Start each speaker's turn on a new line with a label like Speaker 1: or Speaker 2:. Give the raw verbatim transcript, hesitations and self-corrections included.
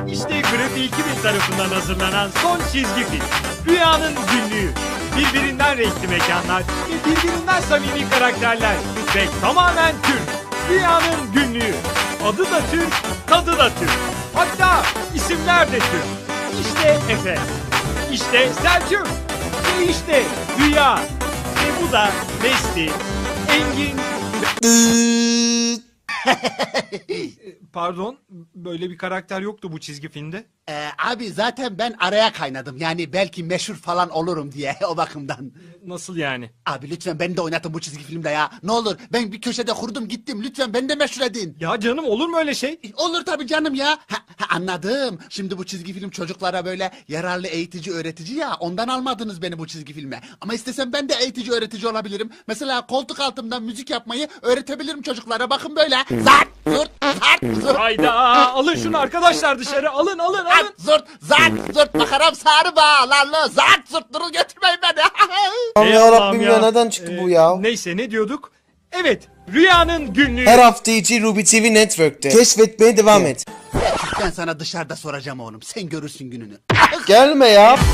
Speaker 1: İşte Grafiği iki bin tarafından hazırlanan son çizgi film. Rüyanın Günlüğü. Birbirinden renkli mekanlar ve birbirinden samimi karakterler ve tamamen Türk. Rüyanın Günlüğü. Adı da Türk, tadı da Türk. Hatta isimler de Türk. İşte Efe, işte Selçuk ve işte Rüya. Ve bu da Besti, Engin. Pardon, böyle bir karakter yoktu bu çizgi filmde.
Speaker 2: Ee, abi zaten ben araya kaynadım. Yani belki meşhur falan olurum diye o bakımdan.
Speaker 1: Nasıl yani?
Speaker 2: Abi lütfen beni de oynatın bu çizgi filmde ya. Ne olur ben bir köşede kurdum gittim. Lütfen beni de meşhur edin.
Speaker 1: Ya canım, olur mu öyle şey?
Speaker 2: Olur tabii canım ya. Ha, ha, anladım. Şimdi bu çizgi film çocuklara böyle yararlı eğitici öğretici ya. Ondan almadınız beni bu çizgi filme. Ama istesem ben de eğitici öğretici olabilirim. Mesela koltuk altımdan müzik yapmayı öğretebilirim çocuklara. Bakın böyle. Zart zurt zart zurt.
Speaker 1: Hayda, alın şunu arkadaşlar dışarı, alın alın alın.
Speaker 2: Zart zurt zart zurt makaram sarı bağlarlı. Zart zurt durun götürmeyin beni.
Speaker 3: Aman
Speaker 1: Ey
Speaker 3: yarabbim
Speaker 1: Allah'ım
Speaker 3: ya, neden çıktı bu ya?
Speaker 1: Neyse, ne diyorduk? Evet, Rüyanın Günlüğü.
Speaker 3: Her hafta içi Ruby T V Network'te. Keşfetmeye devam et.
Speaker 2: Ben sana dışarıda soracağım oğlum. Sen görürsün gününü.
Speaker 3: Gelme ya.